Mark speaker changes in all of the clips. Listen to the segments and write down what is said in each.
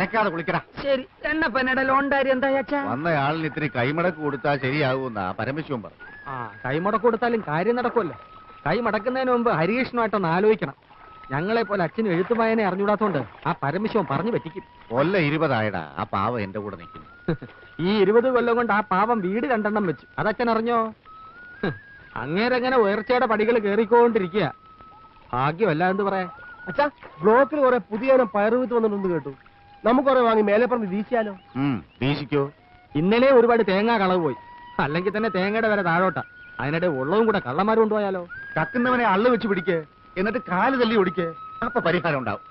Speaker 1: നടക്കാതെ കുളിക്കടാ.
Speaker 2: ശരി. എണ്ണപ്പനയുടെ ലോൺ കാര്യം എന്താ അച്ഛാ?
Speaker 1: വന്നയാളിന് ഇത്തിരി കൈമടക്ക് കൊടുത്താൽ ശരിയാകുമെന്നാ പരമശിവൻ പറഞ്ഞു.
Speaker 2: കൈമടക്ക് കൊടുത്താലും കാര്യം നടക്കുമല്ലോ. കൈ മടക്കുന്നതിന് മുമ്പ് ഹരികൃഷ്ണമായിട്ടൊന്ന് ആലോചിക്കണം. ഞങ്ങളെ പോലെ അച്ഛനും എഴുത്തുമായനെ അറിഞ്ഞൂടാത്തോണ്ട് ആ പരമശിവൻ പറഞ്ഞു പറ്റിക്കും.
Speaker 1: കൊല്ലം 20 ആയടാ. ആ പാവം എന്റെ കൂടെ നിൽക്കുന്നു.
Speaker 2: ഈ 20 കൊല്ലം കൊണ്ട് ആ പാവം വീട് 2 വെച്ചു. അതച്ഛൻ അറിഞ്ഞോ? അങ്ങേരങ്ങനെ ഉയർച്ചയുടെ പടികൾ കേറിക്കൊണ്ടിരിക്കുക. ഭാഗ്യമല്ല എന്ന് പറയാ.
Speaker 3: അച്ഛാ, ബ്ലോക്കിൽ കുറെ പുതിയ പയറുവിത്ത് വന്നിട്ടുണ്ട് കേട്ടു. നമുക്ക് കുറെ വാങ്ങി മേലെ പറഞ്ഞ് വീശിയാലോ?
Speaker 1: വീശിക്കോ.
Speaker 2: ഇന്നലെ ഒരുപാട് തേങ്ങ കളവ് പോയി. അല്ലെങ്കിൽ തന്നെ തേങ്ങയുടെ വില താഴോട്ടാ. അതിനിടെ ഉള്ളതും കൂടെ കള്ളന്മാർ കൊണ്ടുപോയാലോ?
Speaker 1: കക്കുന്നവനെ അള്ളു വെച്ച് പിടിക്ക്, എന്നിട്ട് കാല് തല്ലി ഒടിക്ക്. അപ്പൊ പരിഹാരം ഉണ്ടാവും.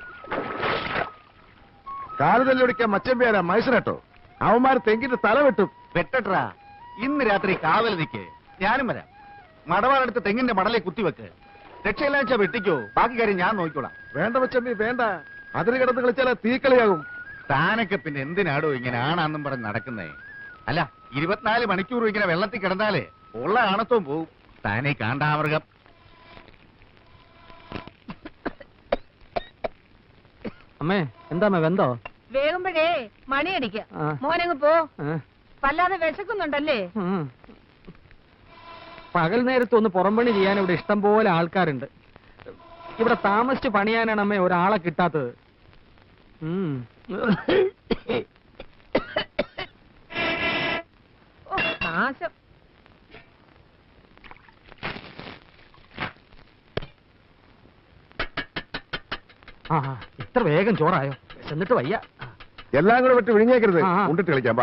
Speaker 3: കാല് തല്ലി ഒടിക്കാൻ മച്ചമ്പേരാ മൈസനട്ടോ. അവന്മാർ തെങ്കിന്റെ തല വെട്ടും.
Speaker 1: വെട്ടട്ടാ. ഇന്ന് രാത്രി കാവൽ നിൽക്ക്, ഞാനും വരാം. മടവാളെടുത്ത് തെങ്ങിന്റെ മടലെ കുത്തിവെക്ക്. രക്ഷയില്ലാച്ച വെട്ടിക്കോ, ബാക്കി കാര്യം ഞാൻ നോക്കിക്കോളാം.
Speaker 3: വേണ്ട മച്ചമ്പി വേണ്ട. അതിന് കിടന്ന് കളിച്ചാൽ തീക്കളിയാകും.
Speaker 1: താനൊക്കെ പിന്നെ എന്തിനാടോ ഇങ്ങനെ ആണാന്നും പറഞ്ഞ് നടക്കുന്നേ? അല്ല, 24 മണിക്കൂറും ഇങ്ങനെ വെള്ളത്തിൽ കിടന്നാലേ ഉള്ള ആണത്വം പോവും. താനേ കാണ്ടാമൃഗം.
Speaker 2: അമ്മേ, എന്താ വെന്തോ?
Speaker 4: വേകുമ്പോഴേ മണിയടിക്ക. മോനങ്ങ് പോ. വല്ലാതെ വിശക്കുന്നുണ്ടല്ലേ?
Speaker 2: പകൽ നേരത്ത് ഒന്ന് പുറംപണി ചെയ്യാൻ ഇവിടെ ഇഷ്ടം പോലെ ആൾക്കാരുണ്ട്. ഇവിടെ താമസിച്ച് പണിയാനാണ് അമ്മേ ഒരാളെ കിട്ടാത്തത്.
Speaker 4: നാശം.
Speaker 2: ഇത്ര വേഗം ചോറായോ? എന്നിട്ട് വയ്യ.
Speaker 3: എല്ലാം കൂടെ വിട്ട് വിഴിഞ്ഞേക്കരുത്. ഉണ്ടിട്ട് കളിക്കാം.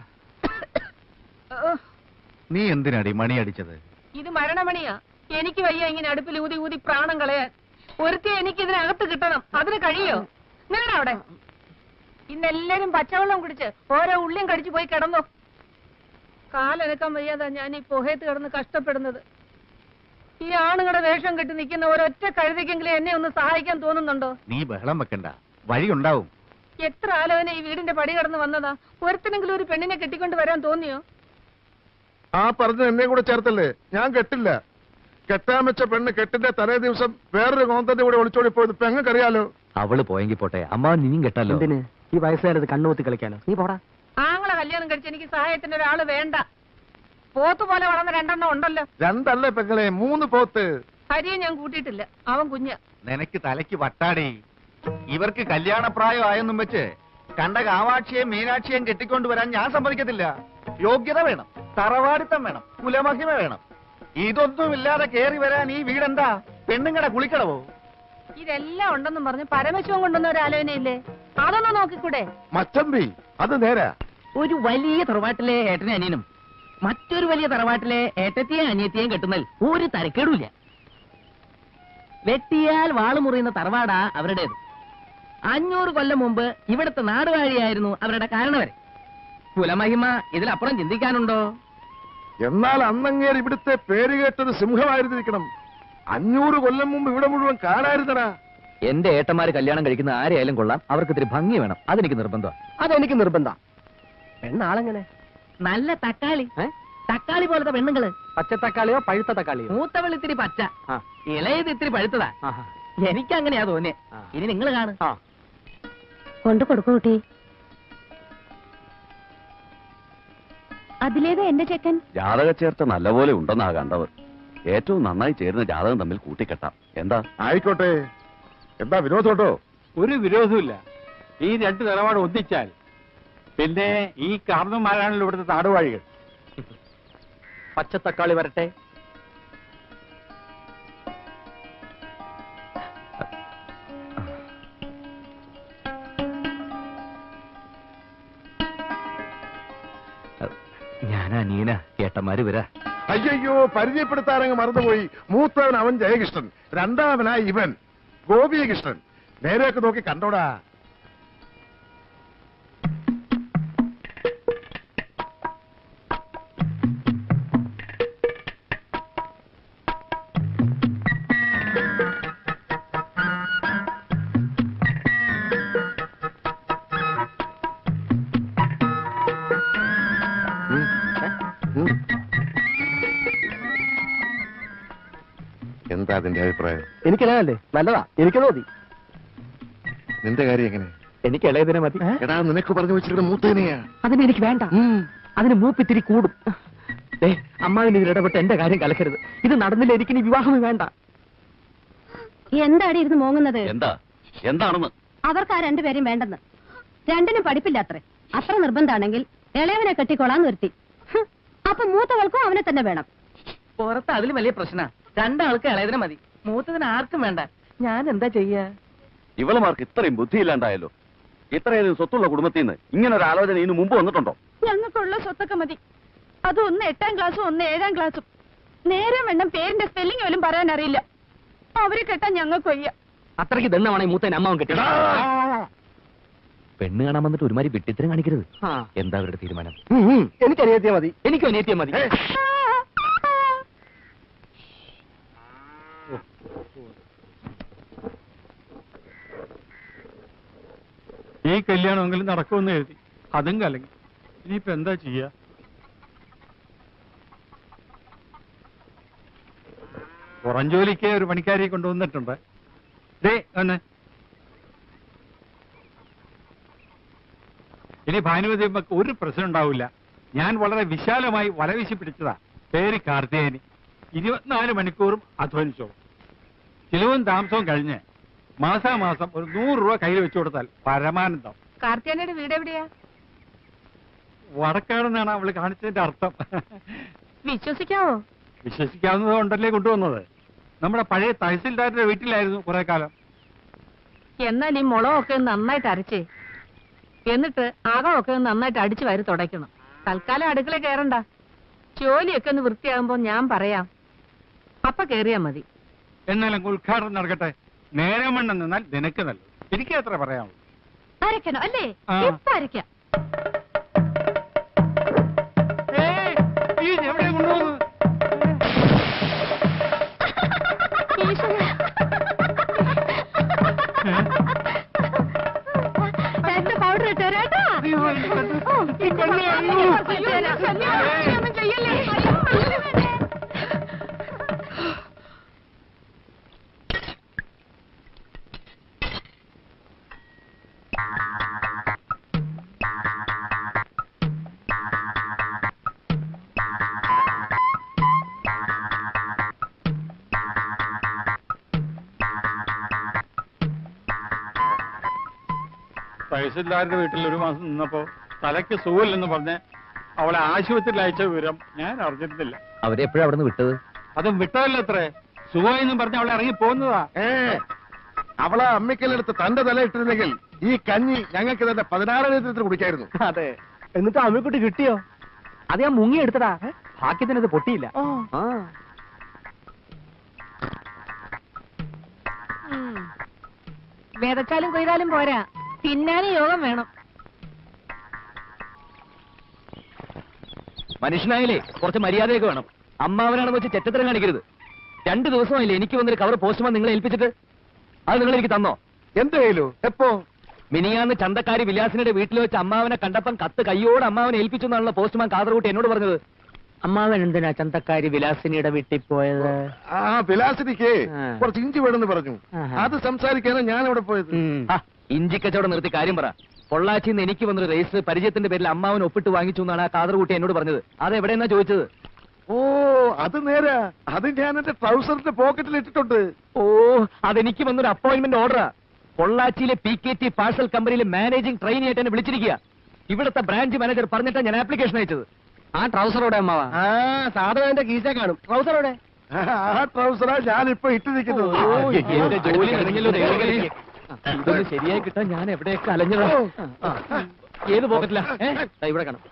Speaker 1: നീ എന്തിനാടി മണി അടിച്ചത്?
Speaker 4: ഇത് മരണമണിയാ. എനിക്ക് വയ്യ ഇങ്ങനെ അടുപ്പിൽ ഊതി ഊതി പ്രാണം കളയാൻ. ഒരുത്തി എനിക്ക് ഇതിനകത്ത് കിട്ടണം. അതിന് കഴിയോ? നിങ്ങളുടെ അവിടെ ഇന്നെല്ലാരും പച്ചവെള്ളം കുടിച്ച് ഓരോ ഉള്ളിയും കടിച്ചു പോയി കിടന്നോ. കാലനക്കാൻ വയ്യാതാ ഞാൻ ഈ പുഹയത്ത് കിടന്ന് കഷ്ടപ്പെടുന്നത്. ഈ ആണുങ്ങളുടെ വേഷം കെട്ടി നിൽക്കുന്ന ഒരൊറ്റ കഴുതിക്കെങ്കിലും എന്നെ ഒന്ന് സഹായിക്കാൻ തോന്നുന്നുണ്ടോ?
Speaker 1: നീ ബഹളം വെക്കണ്ട, വഴിയുണ്ടാവും.
Speaker 4: എത്ര ആലോചന ഈ വീടിന്റെ പടി കടന്ന് വന്നതാ. ഒരുത്തിനെങ്കിലും ഒരു പെണ്ണിനെ കെട്ടിക്കൊണ്ട് വരാൻ തോന്നിയോ?
Speaker 3: ആ പറഞ്ഞ എന്നെ കൂടെ ചേർത്തല്ലേ. ഞാൻ കെട്ടില്ല. കെട്ടാൻ വെച്ച പെണ്ണ് കെട്ടിന്റെ തലേ ദിവസം വേറൊരു കോന്തന്റെ കൂടെ ഒളിച്ചോടി പോയത് പെങ്ങക്കറിയാലോ.
Speaker 1: അവള് പോയെങ്കിൽ പോട്ടെ, അമ്മ നീയും കെട്ടല്ലോ.
Speaker 2: എന്തിന് ഈ വയസ്സുകാരത് കണ്ണുകൂത്തി കളിക്കാനോ? നീ പോടാ.
Speaker 4: ആങ്ങളെ കല്യാണം കഴിച്ച് എനിക്ക് സഹായത്തിന് ഒരാള് വേണ്ട. പോത്ത് പോലെ വളർന്ന 2 ഉണ്ടല്ലോ.
Speaker 3: 2 അല്ലേ പെങ്ങളെ, 3 പോത്ത്.
Speaker 4: ഹരിയെ ഞാൻ കൂട്ടിയിട്ടില്ല. അവൻ കുഞ്ഞ.
Speaker 1: നിനക്ക് തലയ്ക്ക് വട്ടാടി. ഇവർക്ക് കല്യാണപ്രായം ആയെന്നും വെച്ച് കണ്ട കാവാക്ഷിയെയും മീനാക്ഷിയെയും കെട്ടിക്കൊണ്ടുവരാൻ ഞാൻ സമ്മതിക്കത്തില്ല. യോഗ്യത വേണം, തറവാടിത്തം വേണം, കുലമഹിമ വേണം. ഇതൊന്നുമില്ലാതെ കേറി വരാൻ ഈ വീടെന്താ പെണ്ണുങ്ങടെ കുളിക്കടവോ?
Speaker 4: ഇതെല്ലാം ഉണ്ടെന്നും പറഞ്ഞ് പരമശിവൻ കൊണ്ടുവന്ന ഒരു ആലോചനയില്ലേ? അതൊന്ന് നോക്കിക്കൂടെ?
Speaker 3: മച്ചമ്പി അത് നേരാ.
Speaker 5: ഒരു വലിയ തറവാട്ടിലെ ഏട്ടനെ അനിയനും മറ്റൊരു വലിയ തറവാട്ടിലെ ഏട്ടത്തെയും അനിയത്തെയും കെട്ടുന്നതിൽ ഒരു തരക്കേടുമില്ല. വെട്ടിയാൽ വാള് മുറിയുന്ന തറവാടാ അവരുടേത്. 500 കൊല്ലം മുമ്പ് ഇവിടുത്തെ നാടുവാഴിയായിരുന്നു അവരുടെ കാരണവരെ. കുലമഹിമ ഇതിലപ്പുറം ചിന്തിക്കാനുണ്ടോ?
Speaker 3: എന്നാൽ അന്നങ്ങേർ ഇവിടുത്തെ പേര് കേട്ടത് സിംഹമായിരുന്നിരിക്കണം. 500 കൊല്ലം മുമ്പ് ഇവിടെ മുഴുവൻ കാണായിരുന്നടാ.
Speaker 6: എന്റെ ഏട്ടന്മാര് കല്യാണം കഴിക്കുന്ന ആരെയായാലും കൊള്ളാം, അവർക്ക് ഇത്തിരി ഭംഗി വേണം. അതെനിക്ക് നിർബന്ധം.
Speaker 2: അതെനിക്ക് നിർബന്ധം. പെണ്ണാളെങ്ങനെ?
Speaker 5: നല്ല തക്കാളി. തക്കാളി പോലത്തെ പെണ്ണുങ്ങള്.
Speaker 2: പച്ചത്തക്കാളിയോ പഴുത്ത തക്കാളിയോ?
Speaker 5: മൂത്തവൾ ഇത്തിരി പച്ച, ഇളയത് ഇത്തിരി പഴുത്തതാ. എനിക്കങ്ങനെയാ തോന്നിയേ. ഇനി നിങ്ങൾ കാണും.
Speaker 4: കൊണ്ടു കൊടുക്കൂട്ടി. അതിലേതാ എന്റെ ചെക്കൻ?
Speaker 6: ജാതക ചേർത്ത നല്ലപോലെ ഉണ്ടെന്നാ കണ്ടത്. ഏറ്റവും നന്നായി ചേരുന്ന ജാതകം തമ്മിൽ കൂട്ടിക്കെട്ടാം. എന്താ?
Speaker 3: ആയിക്കോട്ടെ. എന്താ വിരോധോട്ടോ?
Speaker 7: ഒരു വിരോധമില്ല. ഈ 2 നിലപാട് ഒന്നിച്ചാൽ പിന്നെ ഈ കാർന്നന്മാരാണല്ലോ ഇവിടുത്തെ നാടുവാഴികൾ.
Speaker 2: പച്ചത്തക്കാളി വരട്ടെ.
Speaker 6: ഞാനാ നീന, ഏട്ടന്മാര് വരാ.
Speaker 3: അയ്യോ, പരിചയപ്പെടുത്താറങ്ങ് മറന്നുപോയി. മൂത്തവൻ അവൻ ജയകൃഷ്ണൻ, 2ാമനായി ഇവൻ ഗോപികൃഷ്ണൻ. നേരെയൊക്കെ നോക്കി കണ്ടോടാ. എന്താ അതിന്റെ അഭിപ്രായം?
Speaker 2: എനിക്കല്ലേ നല്ലതാ. എനിക്ക് തോന്നി.
Speaker 3: നിന്റെ കാര്യം എങ്ങനെ?
Speaker 2: എനിക്ക് ഇളയതിനെ മതി.
Speaker 3: എടാ നിനക്ക് പറഞ്ഞു വെച്ചിരിക്കുന്ന മൂത്തേനെയാ.
Speaker 2: അതിനെനിക്ക് വേണ്ട. അതിന് മൂപ്പിത്തിരി കൂടും. അമ്മാവിന് ഇതിൽ ഇടപെട്ട് എന്റെ കാര്യം കലക്കരുത്. ഇത് നടന്നില്ല, എനിക്കിനി വിവാഹം വേണ്ട.
Speaker 8: എന്താടി ഇരുന്ന് മോങ്ങുന്നത്?
Speaker 6: എന്താണെന്ന്
Speaker 8: അവർക്ക് ആ രണ്ടുപേരെയും വേണ്ടെന്ന്. രണ്ടിനും പഠിപ്പില്ല അത്രേ. അത്ര നിർബന്ധാണെങ്കിൽ ഇളയവനെ കെട്ടിക്കൊള്ളാൻ നിർത്തി. അപ്പൊ മൂത്തവൾക്കും അവനെ തന്നെ വേണം.
Speaker 5: പുറത്ത് അതിലും വലിയ പ്രശ്ന. രണ്ടാൾക്ക് ഇളയതിനെ മതി, മൂത്തതിന് ആർക്കും വേണ്ട. ഞാൻ എന്താ ചെയ്യാ?
Speaker 6: ഇവളുമാർക്ക് ഇത്രയും ബുദ്ധിയില്ലാണ്ടായല്ലോ. ഇത്രയധികം സ്വത്തുള്ള കുടുംബത്തിൽ നിന്ന് ഇങ്ങനെ ഒരു ആലോചന ഇതിനു മുമ്പ് വന്നിട്ടുണ്ടോ?
Speaker 8: ഞങ്ങൾക്കുള്ള സ്വത്തൊക്കെ മതി. അത് ഒന്ന് 8ാം ക്ലാസ്സും ഒന്ന് 7ാം ക്ലാസ്സും. നേരെ വേണം പേരിന്റെ സ്പെല്ലിംഗ് പോലും പറയാൻ അറിയില്ല. അവരെ കെട്ടാൻ ഞങ്ങൾക്ക് വയ്യ.
Speaker 2: അത്രയ്ക്ക് ദണ്ണമാണ് ഈ മൂത്തേനെ അമ്മാവൻ കെട്ടി.
Speaker 6: പെണ്ണ് കാണാൻ വന്നിട്ട് ഒരുമാതിരി വിട്ടിത്തരം കാണിക്കരുത്. എന്താ അവരുടെ തീരുമാനം?
Speaker 2: എനിക്ക് അനിയത്തിയ മതി. എനിക്കും അനിയത്തിയ മതി.
Speaker 7: ഈ കല്യാണമെങ്കിലും നടക്കുമെന്ന് എഴുതി, അതും കലങ്ങി. ഇനിയിപ്പോ എന്താ ചെയ്യാ? പുറം ജോലിക്ക് ഒരു പണിക്കാരിയെ കൊണ്ടുവന്നിട്ടുണ്ട്. ഒന്ന് ഇനി ഭാനുമതി ഒരു പ്രശ്നം ഉണ്ടാവില്ല. ഞാൻ വളരെ വിശാലമായി വലവീശി പിടിച്ചതാ. പേര് കാർത്തികേയനി. 24 മണിക്കൂറും അധ്വാനിച്ചോളും. ചിലവും താമസവും കഴിഞ്ഞ് മാസാമാസം ഒരു 100 രൂപ കയ്യിൽ വെച്ചു കൊടുത്താൽ പരമാനന്ദം.
Speaker 4: കാർത്തിയാനയുടെ വീട് എവിടെയാ?
Speaker 7: വടക്കാടെന്നാണ് അവള് കാണിച്ചതിന്റെ അർത്ഥം.
Speaker 4: വിശ്വസിക്കാവോ?
Speaker 7: വിശ്വസിക്കാവുന്നത് കൊണ്ടല്ലേ കൊണ്ടുവന്നത്. നമ്മുടെ പഴയ തഹസിൽദാരുടെ വീട്ടിലായിരുന്നു കുറെ കാലം.
Speaker 4: എന്നാൽ ഈ മുളകൊക്കെ ഒന്ന് നന്നായിട്ട് അരച്ചേ, എന്നിട്ട് അകമൊക്കെ ഒന്ന് നന്നായിട്ട് അടിച്ചു വാരി തുടയ്ക്കണം. തൽക്കാലം അടുക്കള കയറണ്ട. ജോലിയൊക്കെ ഒന്ന് വൃത്തിയാകുമ്പോ ഞാൻ പറയാം, അപ്പ കേറിയാ മതി.
Speaker 7: എന്നാലും ഉദ്ഘാടനം നടക്കട്ടെ. നേരെ മണ്ണം നിന്നാൽ നിനക്ക് നല്ലത്. എനിക്ക് അത്ര പറയാനുള്ളൂ.
Speaker 8: അരക്കണോ അല്ലേ? ഇപ്പൊ അരക്കാം.
Speaker 7: എവിടെ കൊണ്ടുപോകുന്നത്?
Speaker 8: പൗഡർ ഇട്ടേരാട്ടാ.
Speaker 7: തഹസിൽദാരുടെ വീട്ടിൽ ഒരു മാസം നിന്നപ്പോ തലയ്ക്ക് സുഖമില്ലെന്ന് പറഞ്ഞ് അവളെ ആശുപത്രിയിൽ അയച്ച വിവരം ഞാൻ അറിഞ്ഞിരുന്നില്ല.
Speaker 6: അവരെപ്പോഴും അവിടെ നിന്ന് വിട്ടത്?
Speaker 7: അതും വിട്ടതല്ല അത്രേ. സുഖമെന്നും പറഞ്ഞ് അവളെ ഇറങ്ങി പോകുന്നതാ.
Speaker 3: അവളെ അമ്മിക്കലെടുത്ത് തന്റെ തല ഇട്ടിരുന്നെങ്കിൽ ഈ കഞ്ഞി ഞങ്ങൾക്ക് തന്നെ 16 ലിറ്റർ കുടിക്കായിരുന്നു.
Speaker 2: അതെ. എന്നിട്ട് അമ്മക്കുട്ടി കിട്ടിയോ? അത് ഞാൻ മുങ്ങി എടുത്തടാ. ഭാഗ്യത്തിന് ഇത് പൊട്ടിയില്ല.
Speaker 4: വിതച്ചാലും കൊയ്താലും പോരാ, തിന്നാനും യോഗം വേണം.
Speaker 6: മനുഷ്യനായാലേ കുറച്ച് മര്യാദയൊക്കെ വേണം. അമ്മാവനാണെന്ന് വെച്ച് ചെറ്റത്തരം കാണിക്കരുത്. 2 ദിവസമായില്ലേ എനിക്ക് വന്നൊരു കവർ പോസ്റ്റ്മാൻ നിങ്ങളെ ഏൽപ്പിച്ചിട്ട്? അത് നിങ്ങൾ എനിക്ക് തന്നോ?
Speaker 3: എന്ത് കയ്യിലോ? എപ്പോ?
Speaker 6: മിനിയാന്ന് ചന്തക്കാരി വിലാസിനുടെ വീട്ടിൽ വെച്ച് അമ്മാവനെ കണ്ടപ്പം കത്ത് കയ്യോട് അമ്മാവനെ ഏൽപ്പിച്ചു എന്നാണല്ലോ പോസ്റ്റ്മാൻ കാതർകൂട്ടി എന്നോട് പറഞ്ഞത്.
Speaker 2: അമ്മാവൻ എന്തിനാ ചന്തക്കാരി വിലാസിനിയുടെ വീട്ടിൽ പോയത്?
Speaker 3: ആ വിലാസിനിക്ക്
Speaker 2: ആ.
Speaker 3: കുറച്ച് ഇഞ്ചി വേണമെന്ന് പറഞ്ഞു.
Speaker 2: ആഹാ.
Speaker 3: അത് സംസാരിക്കാനാണ് ഞാൻ അവിടെ പോയത്.
Speaker 6: ഇഞ്ചി കച്ചവടം നിർത്തി കാര്യം പറ. പൊള്ളാച്ചിന്ന് എനിക്ക് വന്നൊരു രജിസ്റ്റർ പരിചയത്തിന്റെ പേരിൽ അമ്മാവൻ ഒപ്പിട്ട് വാങ്ങിച്ചു എന്നാണ് ആ കാതർകൂട്ടി എന്നോട് പറഞ്ഞത്. അതെവിടെയെന്നാ ചോദിച്ചത്?
Speaker 3: ഓ അത് നേരാ. അത് ഞാൻ എന്റെ ട്രൗസറിന്റെ പോക്കറ്റിൽ ഇട്ടിട്ടുണ്ട്.
Speaker 6: ഓ അതെനിക്ക് വന്നൊരു അപ്പോയിന്റ്മെന്റ് ഓർഡറാ. പൊള്ളാച്ചിയിലെ PKT പാഴ്സൽ കമ്പനിയിലെ മാനേജിംഗ് ട്രെയിനി ആയിട്ട് എന്നെ വിളിച്ചിരിക്കുക. ഇവിടുത്തെ ബ്രാഞ്ച് മാനേജർ പറഞ്ഞിട്ടാണ് ഞാൻ ആപ്ലിക്കേഷൻ അയച്ചത്.
Speaker 2: ആ ട്രൗസറോടെ അമ്മാവ?
Speaker 3: സാധനം എന്റെ കീശ കാണും. ട്രൗസറോടെ? ആ ട്രൗസറാ ഞാനിപ്പോ ഇട്ടിരിക്കുന്നത്.
Speaker 6: എന്റെ ജോലി കഴിഞ്ഞല്ലോ ദൈവമേ. ഇതൊന്ന് ശരിയായി കിട്ടാൻ ഞാൻ എവിടെയൊക്കെ അലഞ്ഞതാ. ഏത് പോക്കറ്റിലാ? ഇവിടെ കാണാം.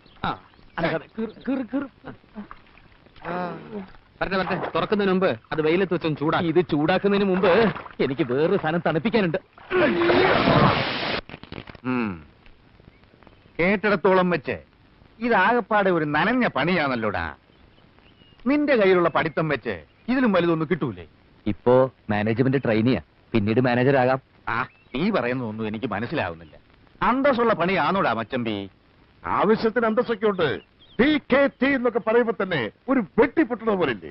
Speaker 2: വരട്ടെ തുറക്കുന്നതിന് മുമ്പ് അത് വെയിലത്ത് വെച്ചൊന്ന് ചൂടാ.
Speaker 6: ഇത് ചൂടാക്കുന്നതിന് മുമ്പ് എനിക്ക് വേറൊരു സാധനം തണുപ്പിക്കാനുണ്ട്.
Speaker 1: കേട്ടിടത്തോളം വെച്ച് ഇതാകപ്പാടെ ഒരു നനഞ്ഞ പണിയാണല്ലോടാ. നിന്റെ കയ്യിലുള്ള പഠിത്തം വെച്ച് ഇതിലും വലുതൊന്നും കിട്ടൂലേ?
Speaker 6: ഇപ്പോ മാനേജ്മെന്റ് ട്രെയിനിയാ, പിന്നീട് മാനേജർ ആകാം.
Speaker 1: ആ നീ പറയുന്നതൊന്നും എനിക്ക് മനസ്സിലാവുന്നില്ല. അന്തസ്സുള്ള പണിയാണോടാ മച്ചമ്പി?
Speaker 3: ആവശ്യത്തിന് അന്തസ്സൊക്കെ ഉണ്ട്. PKT എന്നൊക്കെ പറയുമ്പോ തന്നെ ഒരു വെട്ടിപ്പൊട്ടണ പോലില്ലേ?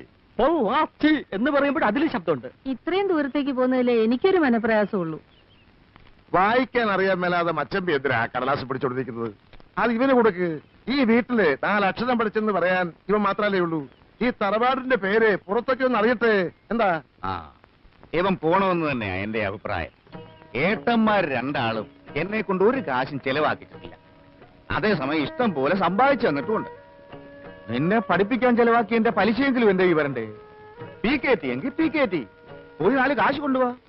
Speaker 2: എന്ന് പറയുമ്പോൾ അതിലും ശബ്ദമുണ്ട്.
Speaker 4: ഇത്രയും ദൂരത്തേക്ക് പോകുന്നതിലേ എനിക്കൊരു മനപ്രയാസമുള്ളൂ.
Speaker 3: വായിക്കാൻ അറിയാൻ മേലാതെ മച്ചമ്പി എന്തിനാ കടലാസ് പിടിച്ചോണ്ടിരിക്കുന്നത്? അത് ഇവന് കൊടുക്ക്. ഈ വീട്ടില് 4 അക്ഷരം പഠിച്ചെന്ന് പറയാൻ ഇവൻ മാത്രല്ലേ ഉള്ളൂ. ഈ തറവാടിന്റെ പേര് പുറത്തൊക്കെ ഒന്ന് അറിയട്ടെ. എന്താ?
Speaker 1: ആ ഇവൻ പോണമെന്ന് തന്നെയാ എന്റെ അഭിപ്രായം. ഏട്ടന്മാർ രണ്ടാളും എന്നെ കൊണ്ട് ഒരു കാശും ചെലവാക്കിയിട്ടില്ല. അതേസമയം ഇഷ്ടം പോലെ സമ്പാദിച്ചു തന്നിട്ടുമുണ്ട്. നിന്നെ പഠിപ്പിക്കാൻ ചെലവാക്കി എന്റെ പലിശയെങ്കിലും എന്റെ ഈ വരണ്ടേ? PKT എങ്കിൽ PKT പോയി 4 കാശ് കൊണ്ടുപോവാ.